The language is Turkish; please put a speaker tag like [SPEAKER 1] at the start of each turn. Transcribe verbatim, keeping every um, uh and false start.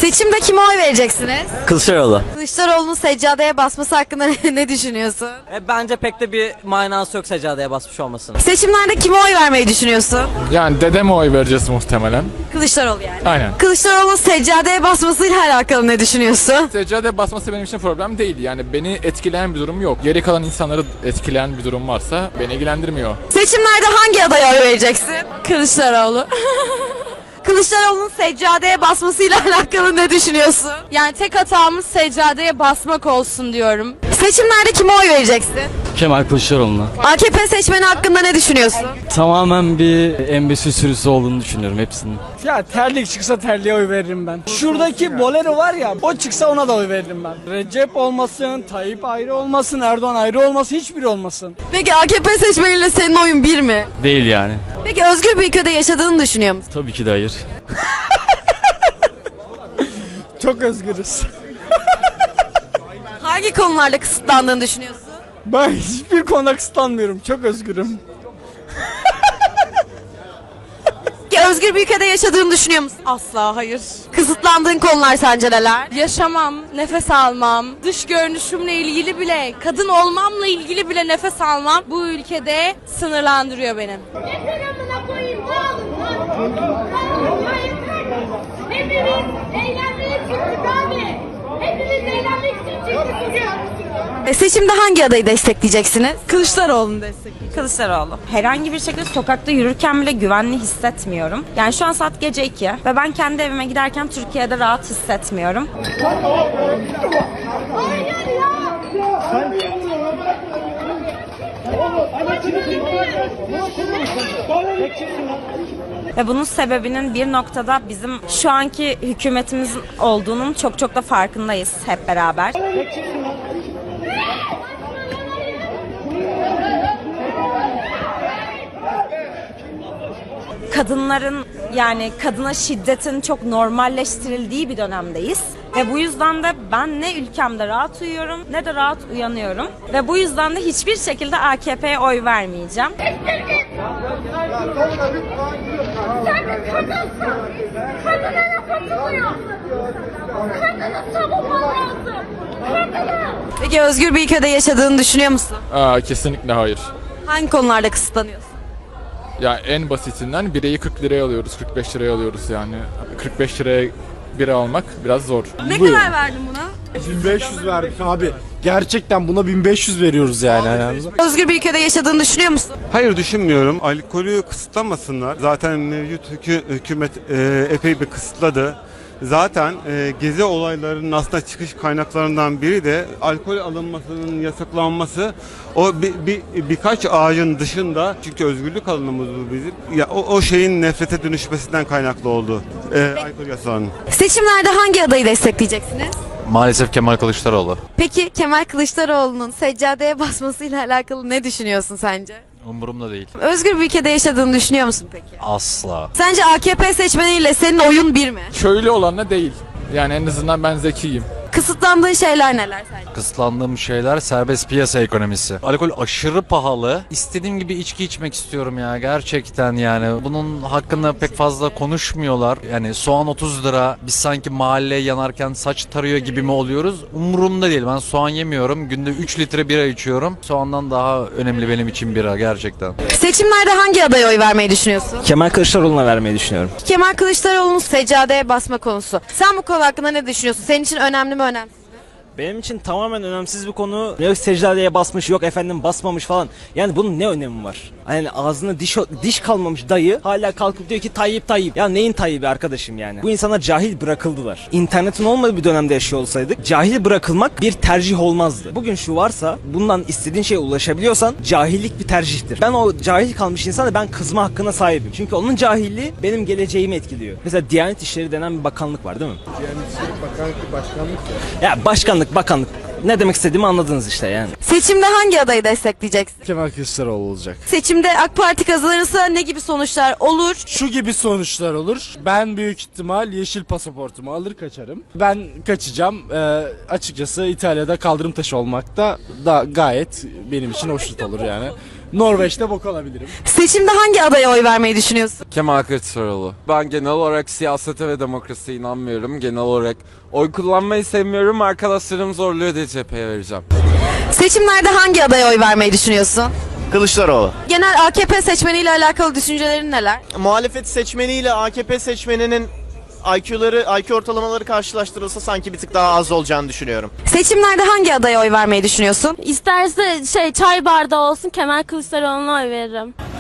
[SPEAKER 1] Seçimde kime oy vereceksiniz?
[SPEAKER 2] Kılıçdaroğlu.
[SPEAKER 1] Kılıçdaroğlu'nun seccadeye basması hakkında ne düşünüyorsun?
[SPEAKER 2] E, bence pek de bir manası yok seccadeye basmış olmasın.
[SPEAKER 1] Seçimlerde kime oy vermeyi düşünüyorsun?
[SPEAKER 3] Yani dedeme oy vereceğiz muhtemelen.
[SPEAKER 1] Kılıçdaroğlu yani.
[SPEAKER 3] Aynen.
[SPEAKER 1] Kılıçdaroğlu'nun seccadeye basmasıyla alakalı ne düşünüyorsun?
[SPEAKER 3] Seccade basması benim için problem değil. Yani beni etkileyen bir durum yok. Geri kalan insanları etkileyen bir durum varsa beni ilgilendirmiyor.
[SPEAKER 1] Seçimlerde hangi adaya oy vereceksin? Kılıçdaroğlu. Kılıçdaroğlu'nun seccadeye basmasıyla alakalı ne düşünüyorsun?
[SPEAKER 4] Yani tek hatamız seccadeye basmak olsun diyorum.
[SPEAKER 1] Seçimlerde kime oy vereceksin?
[SPEAKER 5] Kemal Kılıçdaroğlu'na.
[SPEAKER 1] A K P seçmeni hakkında ne düşünüyorsun?
[SPEAKER 5] Tamamen bir embesi sürüsü olduğunu düşünüyorum hepsinin.
[SPEAKER 6] Ya terlik çıksa terliğe oy veririm ben. Şuradaki Bolero var ya, o çıksa ona da oy veririm ben. Recep olmasın, Tayyip ayrı olmasın, Erdoğan ayrı olmasın, hiçbiri olmasın.
[SPEAKER 1] Peki A K P seçmeniyle senin oyun bir mi?
[SPEAKER 5] Değil yani.
[SPEAKER 1] Peki özgür bir ülkede yaşadığını düşünüyor musun?
[SPEAKER 5] Tabii ki de hayır.
[SPEAKER 6] Çok özgürüz.
[SPEAKER 1] Hangi konularda kısıtlandığını düşünüyorsun?
[SPEAKER 6] Ben hiçbir konuda kısıtlanmıyorum, çok özgürüm.
[SPEAKER 1] Peki özgür bir ülkede yaşadığını düşünüyor musun?
[SPEAKER 4] Asla hayır.
[SPEAKER 1] Kısıtlandığın konular sence neler?
[SPEAKER 4] Yaşamam, nefes almam, dış görünüşümle ilgili bile, kadın olmamla ilgili bile nefes almam bu ülkede sınırlandırıyor benim.
[SPEAKER 7] Yeter amına koyayım, dağılın, dağılın. Ya yeter. Hepimiz eğlenmeye çıktık abi. Hepimiz eğlenmek için çıktık bugün.
[SPEAKER 1] E, seçimde hangi adayı destekleyeceksiniz?
[SPEAKER 4] Kılıçdaroğlu'nu destekliyorum.
[SPEAKER 8] Kılıçdaroğlu. Herhangi bir şekilde sokakta yürürken bile güvenli hissetmiyorum. Yani şu an saat gece iki ve ben kendi evime giderken Türkiye'de rahat hissetmiyorum.
[SPEAKER 7] Hayır ya.
[SPEAKER 8] Ve bunun sebebinin bir noktada bizim şu anki hükümetimizin olduğunun çok çok da farkındayız hep beraber. Kadınların yani kadına şiddetin çok normalleştirildiği bir dönemdeyiz. Ve bu yüzden de ben ne ülkemde rahat uyuyorum ne de rahat uyanıyorum. Ve bu yüzden de hiçbir şekilde A K P'ye oy vermeyeceğim.
[SPEAKER 7] Sen bir kadınsın. Kadına laf atılıyor. Kadını savunman lazım. Kadını.
[SPEAKER 1] Peki özgür bir ülkede yaşadığını düşünüyor musun?
[SPEAKER 3] Aa, kesinlikle hayır.
[SPEAKER 1] Hangi konularda kısıtlanıyorsun?
[SPEAKER 3] Ya en basitinden bireyi kırk liraya alıyoruz, kırk beş liraya alıyoruz yani. kırk beş liraya bira almak biraz zor.
[SPEAKER 1] Ne kadar verdin buna?
[SPEAKER 9] bin beş yüz verdik abi. Gerçekten buna bin beş yüz veriyoruz yani.
[SPEAKER 1] Özgür bir ülkede yaşadığını düşünüyor musun?
[SPEAKER 10] Hayır düşünmüyorum. Alkolü kısıtlamasınlar. Zaten mevcut hükü- hükümet e, epey bir kısıtladı. Zaten e, gezi olaylarının aslında çıkış kaynaklarından biri de alkol alınmasının yasaklanması. O bir, bir, birkaç ağacın dışında, çünkü özgürlük alanımız bu bizim. Ya o, o şeyin nefrete dönüşmesinden kaynaklı oldu. E, alkol yasağının.
[SPEAKER 1] Seçimlerde hangi adayı destekleyeceksiniz?
[SPEAKER 11] Maalesef Kemal Kılıçdaroğlu.
[SPEAKER 1] Peki Kemal Kılıçdaroğlu'nun seccadeye basmasıyla alakalı ne düşünüyorsun sence?
[SPEAKER 11] Umurumda değil.
[SPEAKER 1] Özgür bir ülkede yaşadığını düşünüyor musun peki?
[SPEAKER 11] Asla.
[SPEAKER 1] Sence A K P seçmeniyle senin oyun bir mi?
[SPEAKER 3] Şöyle olanla değil. Yani en azından ben zekiyim.
[SPEAKER 1] Kısıtlandığın şeyler neler sence?
[SPEAKER 11] Kısıtlandığım şeyler serbest piyasa ekonomisi. Alkol aşırı pahalı. İstediğim gibi içki içmek istiyorum ya gerçekten yani. Bunun hakkında pek fazla konuşmuyorlar. Yani soğan otuz lira. Biz sanki mahalleye yanarken saç tarıyor gibi mi oluyoruz? Umurumda değil. Ben soğan yemiyorum. Günde üç litre bira içiyorum. Soğandan daha önemli benim için bira gerçekten.
[SPEAKER 1] Seçimlerde hangi adaya oy vermeyi düşünüyorsun?
[SPEAKER 2] Kemal Kılıçdaroğlu'na vermeyi düşünüyorum.
[SPEAKER 1] Kemal Kılıçdaroğlu'nun seccadeye basma konusu. Sen bu konu hakkında ne düşünüyorsun? Senin için önemli mi önemsiz mi?
[SPEAKER 2] Benim için tamamen önemsiz bir konu. Yok secdadeye basmış, yok efendim basmamış falan. Yani bunun ne önemi var? Yani ağzına diş diş kalmamış dayı hala kalkıp diyor ki Tayyip Tayyip. Ya neyin Tayyip'i arkadaşım yani? Bu insanlar cahil bırakıldılar. İnternetin olmadığı bir dönemde yaşıyor olsaydık cahil bırakılmak bir tercih olmazdı. Bugün şu varsa bundan istediğin şeye ulaşabiliyorsan cahillik bir tercihtir. Ben o cahil kalmış insana ben kızma hakkına sahibim. Çünkü onun cahilliği benim geleceğimi etkiliyor. Mesela Diyanet İşleri denen bir bakanlık var değil mi?
[SPEAKER 9] Diyanet İşleri Bakanlık başkanlık ya.
[SPEAKER 2] Ya başkanlık bakanlık. Ne demek istediğimi anladınız işte yani.
[SPEAKER 1] Seçimde hangi adayı destekleyeceksin?
[SPEAKER 9] Kemal Kılıçdaroğlu olacak.
[SPEAKER 1] Seçimde AK Parti kazanırsa ne gibi sonuçlar olur?
[SPEAKER 9] Şu gibi sonuçlar olur. Ben büyük ihtimal yeşil pasaportumu alır kaçarım. Ben kaçacağım. Ee, açıkçası İtalya'da kaldırım taşı olmak da, da gayet benim için hoşnut olur yani. Norveç'te bok alabilirim.
[SPEAKER 1] Seçimde hangi adaya oy vermeyi düşünüyorsun?
[SPEAKER 12] Kemal Kılıçdaroğlu. Ben genel olarak siyasete ve demokrasiye inanmıyorum. Genel olarak oy kullanmayı sevmiyorum. Arkadaşlarım zorluyor diye cepheye vereceğim.
[SPEAKER 1] Seçimlerde hangi adaya oy vermeyi düşünüyorsun?
[SPEAKER 13] Kılıçdaroğlu.
[SPEAKER 1] Genel A K P seçmeniyle alakalı düşüncelerin neler?
[SPEAKER 13] Muhalefet seçmeniyle A K P seçmeninin I Q'ları, I Q ortalamaları karşılaştırılsa sanki bir tık daha az olacağını düşünüyorum.
[SPEAKER 1] Seçimlerde hangi adaya oy vermeyi düşünüyorsun?
[SPEAKER 4] İsterse şey çay bardağı olsun Kemal Kılıçdaroğlu'na oy veririm.